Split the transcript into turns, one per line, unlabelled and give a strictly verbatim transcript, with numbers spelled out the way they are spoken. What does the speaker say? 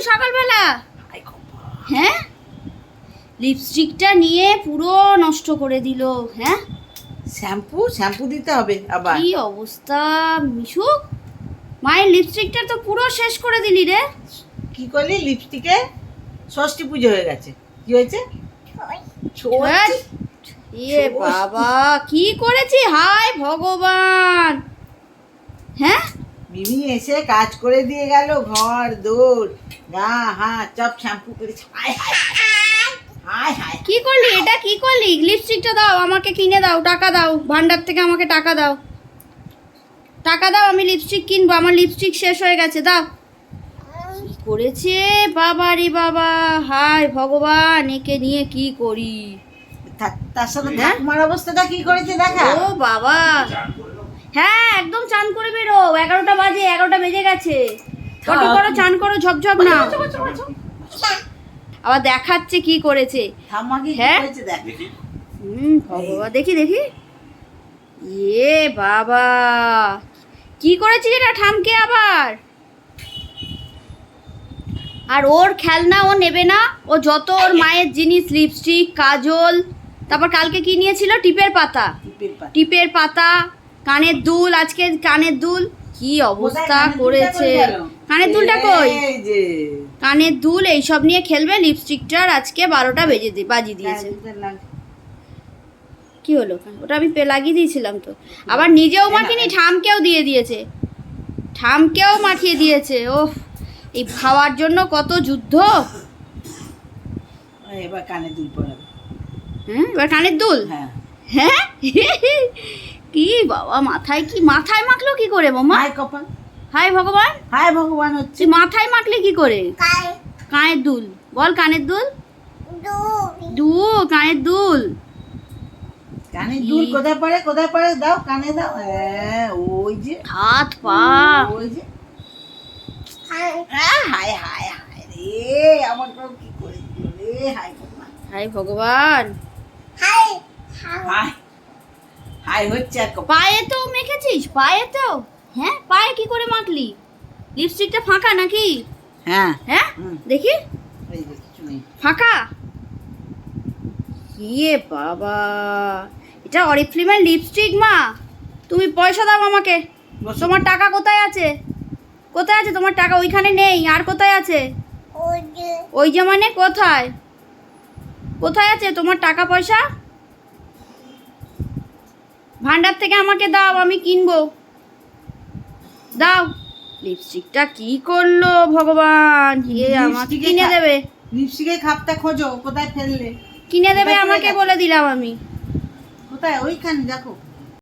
সকালবেলা? হ্যাঁ, লিপস্টিকটা নিয়ে পুরো নষ্ট করে দিল। হ্যাঁ,
শ্যাম্পু শ্যাম্পু দিতে হবে আবার।
কি অবস্থা মিশু, মায়ের লিপস্টিকটা তো পুরো শেষ করে দিলি রে।
কি করলি? লিপস্টিকে ষষ্ঠী পুজো হয়ে গেছে, কি হয়েছে?
ধ্যাৎ, এ বাবা কি করেছি, হায় ভগবান। হ্যাঁ,
মিমি এসে কাজ করে দিয়ে গেল, ঘর দৌড় গা হাত সব শ্যাম্পু করেছে। হায় হায় হায় হায়।
কি করলি এটা, কি করলি? লিপস্টিকটা দাও আমাকে, কিনে দাও, টাকা দাও, ভান্ডার থেকে আমাকে টাকা দাও, টাকা দাও, আমি লিপস্টিক কিনবো, আমার লিপস্টিক শেষ হয়ে গেছে, দাও। কি করেছে বাবা রে বাবা, হায় ভগবান, একে নিয়ে কি করি।
তা- তার সাথে
হ্যাঁ?
ঠাকুমার অবস্থাটা কি করেছে দেখা।
ও বাবা, হ্যাঁ একদম চান করে বেরো, এগারোটা বাজে, এগারোটা বেজে গেছে। কত করো, চান করো, ঝপঝপ না। আবার দেখাচ্ছে কি করেছে।
ঠাম্মা কি
হ্যাঁ?
করেছে দেখ।
হুম ভগবান, দেখি দেখি, এ বাবা কি করেছিস এটা ঠামকে আবার। আর ওর খেলনা ও নেবে না, ও যত ওর মায়ের জিনিস, লিপস্টিক, কাজল, তারপর কালকে কি নিয়েছিল, টিপের পাতা,
টিপের পাতা।
টিপের পাতা, কানের দুল, আজকে কানের দুল, কি অবস্থা
কোথায় কানের দুলটা
করেছে।
কই গেল?
কানের দুলটা কই?
এই যে
কানের দুল এইসব নিয়ে খেলবে, লিপস্টিকটার আজকে বারোটা বেজে দিয়ে বাজিয়ে দিয়েছে। কি হলো? ওটা আমি পে লাগিয়ে দিয়েছিলাম তো, আবার নিজেও মাখিনি, ঠামকেও দিয়ে দিয়েছে, ঠামকেও মাখিয়ে দিয়েছে। ওহ, এই খাওয়ার জন্য কত যুদ্ধ।
এবার কানে দুল পরাবে।
হ্যাঁ, এবার কানের দুল।
হ্যাঁ
হ্যাঁ কি বাবা, মাথায় কি, মাথায় মাখলো কি করে মামা?
হায় কপাল,
হায় ভগবান,
হায় ভগবান হচ্ছে।
তুই মাথায় মাখলে কি করে? কানের দুল বল, কানের দুল, দু কানের দুল।
কানে দুল কোথায় পড়ে, কোথায় পড়ে, দাও কানে দাও। হ্যাঁ ওই যে
হাত পা,
ওই যে। আহ, হায় হায় হায় রে, আমার কেউ কি করে দিল রে, হায় ভগবান।
হায় ভগবান।
হায় হায় হচ্ছে আর কপাল।
পায়ে তো মেখেছিস, পায়ে তো। হ্যাঁ, পায়ে কি করে মাখলি? লিপস্টিকটা ফাঁকা নাকি?
হ্যাঁ
হ্যাঁ
হুম।
দেখি,
এই যে কিছু নেই।
ফাঁকা। ইয়ে বাবা, এটা অরিফ্লেমের লিপস্টিক মা। তুমি পয়সা দাও আমাকে।
বসো।
তোমার টাকা কোথায় আছে? কোথায় আছে তোমার টাকা? ওইখানে নেই, আর কোথায় আছে? ওই যে মানে কোথায়, কোথায় আছে তোমার টাকা পয়সা? ভান্ডার থেকে আমাকে দাও, আমি কিনবো, দাও। লিপস্টিকটা কি করলো ভগবান, এ আমাকে
লিপস্টিকে
কিনে
খা-
দেবে,
লিপস্টিকের খাপটা খোঁজো, কোথায় ফেললে?
কিনে দেবে
কোথায় পড়ে
আমাকে
গেছে?
বলে দিলাম আমি।
কোথায়? ওইখানে দেখো।